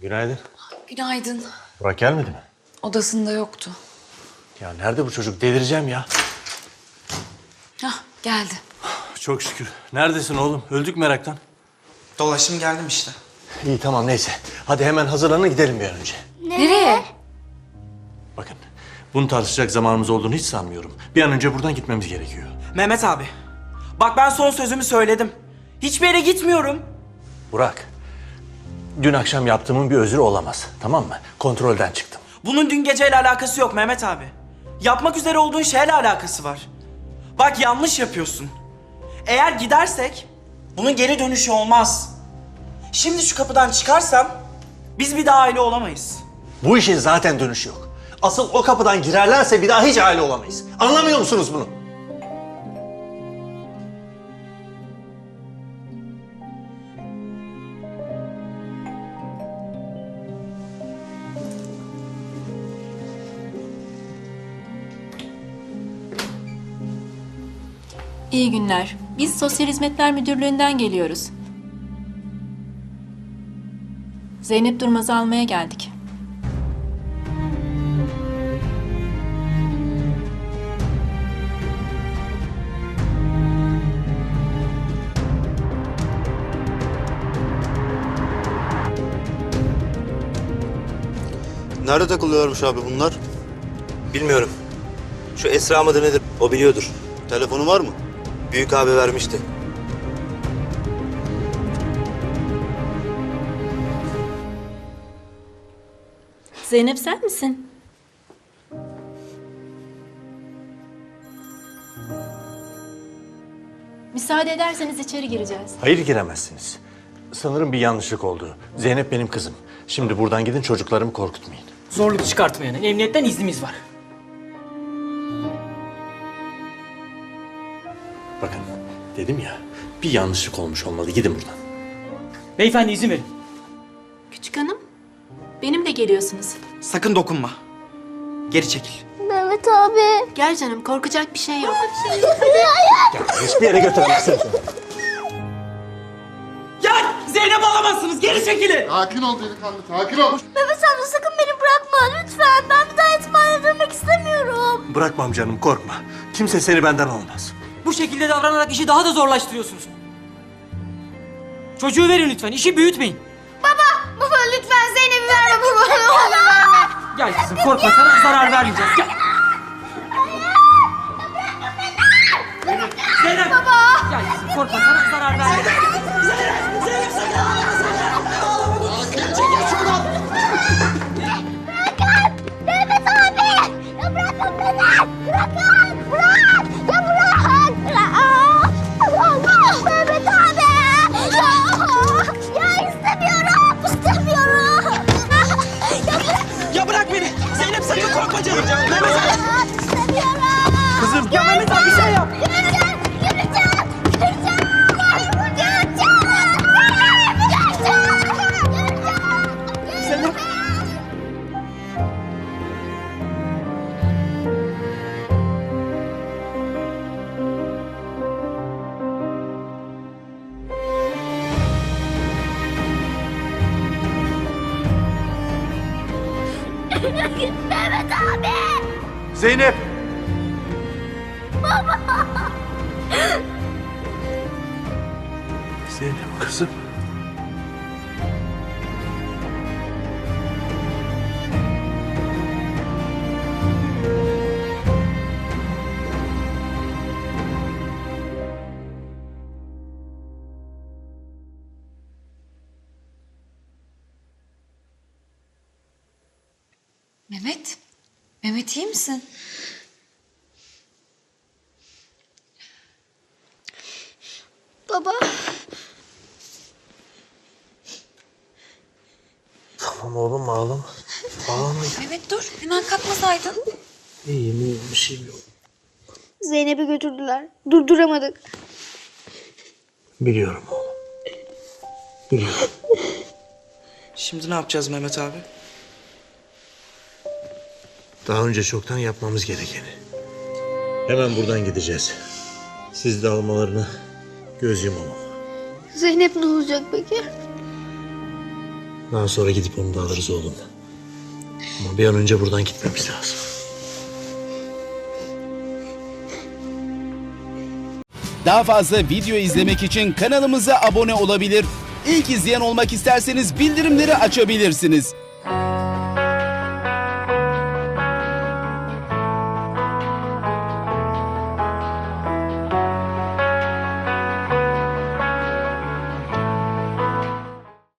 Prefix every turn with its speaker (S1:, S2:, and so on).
S1: Günaydın.
S2: Günaydın.
S1: Burak gelmedi mi?
S2: Odasında yoktu.
S1: Ya nerede bu çocuk? Delireceğim ya.
S2: Hah, geldi.
S1: Çok şükür. Neredesin oğlum? Öldük meraktan.
S3: Dolaştım geldim işte.
S1: İyi tamam neyse. Hadi hemen hazırlanın gidelim bir an önce.
S2: Nereye?
S1: Bakın bunu tartışacak zamanımız olduğunu hiç sanmıyorum. Bir an önce buradan gitmemiz gerekiyor.
S3: Mehmet abi. Bak ben son sözümü söyledim. Hiçbir yere gitmiyorum.
S1: Burak. Dün akşam yaptığımın bir özrü olamaz. Tamam mı? Kontrolden çıktım.
S3: Bunun dün geceyle alakası yok Mehmet abi. Yapmak üzere olduğun şeyle alakası var. Bak yanlış yapıyorsun. Eğer gidersek bunun geri dönüşü olmaz. Şimdi şu kapıdan çıkarsam biz bir daha aile olamayız.
S1: Bu işin zaten dönüşü yok. Asıl o kapıdan girerlerse bir daha hiç aile olamayız. Anlamıyor musunuz bunu?
S4: İyi günler. Biz Sosyal Hizmetler Müdürlüğü'nden geliyoruz. Zeynep Durmaz'ı almaya geldik.
S5: Nerede takılıyormuş abi bunlar?
S6: Bilmiyorum. Şu Esra mıdır nedir? O biliyordur.
S5: Telefonu var mı?
S6: Büyük abi vermişti.
S4: Zeynep sen misin? Müsaade ederseniz içeri gireceğiz.
S1: Hayır giremezsiniz. Sanırım bir yanlışlık oldu. Zeynep benim kızım. Şimdi buradan gidin çocuklarımı korkutmayın.
S7: Zorluk çıkartmayana emniyetten iznimiz var.
S1: Bakın dedim ya bir yanlışlık olmuş olmalı. Gidin buradan.
S7: Beyefendi izin verin.
S4: Küçük hanım, benimle geliyorsunuz.
S3: Sakın dokunma. Geri çekil.
S8: Mehmet abi.
S4: Gel canım, korkacak bir şey yok.
S1: Hiçbir yere götüremezsiniz.
S3: Ya Zeynep alamazsınız. Geri çekilin.
S5: Sakin ol delikanlı, sakin ol.
S8: Mehmet amca sakın beni bırakma lütfen. Ben bir daha yetimhaneye dönmek istemiyorum.
S1: Bırakmam canım korkma. Kimse seni benden almaz.
S7: Bu şekilde davranarak işi daha da zorlaştırıyorsunuz. Çocuğu verin lütfen, işi büyütmeyin.
S8: Baba lütfen Zeynep'i verme baba. Ne olur verme.
S7: Gel kızım, korkma, sana zarar vermeyeceğiz. Gel. Zeynep! Baba! Gel kızım, korkma, sana zarar vermeyeceğiz.
S8: Mehmet abi. Ya bırakın beni. Bırakın. Bırak. Ya bırak. Allah. Mehmet abi. Ya istemiyorum. İstemiyorum. Ya bırak.
S3: Ya bırak beni. Zeynep sakın korkma canım. Mehmet abi.
S8: İstemiyorum.
S3: Kızım. Ya Mehmet abi bir şey yap.
S8: Yürüyeceğim. Yürüyeceğim. Yürüyeceğim.
S3: Zeynep.
S8: Mehmet abi.
S1: Zeynep! Zeynep kızım.
S2: Mehmet. Mehmet iyi misin?
S8: Baba.
S1: Tamam oğlum ağlama. Ağlama.
S2: Mehmet dur. Hemen kalkmasaydın.
S1: İyiyim bir şeyim yok.
S8: Zeynep'i götürdüler. Durduramadık.
S1: Biliyorum oğlum. Biliyorum.
S3: Şimdi ne yapacağız Mehmet abi?
S1: Daha önce çoktan yapmamız gerekeni. Hemen buradan gideceğiz. Siz de almalarına göz yumamam.
S8: Zeynep ne olacak peki?
S1: Daha sonra gidip onu da alırız oğlum. Ama bir an önce buradan gitmemiz lazım.
S9: Daha fazla video izlemek için kanalımıza abone olabilir. İlk izleyen olmak isterseniz bildirimleri açabilirsiniz.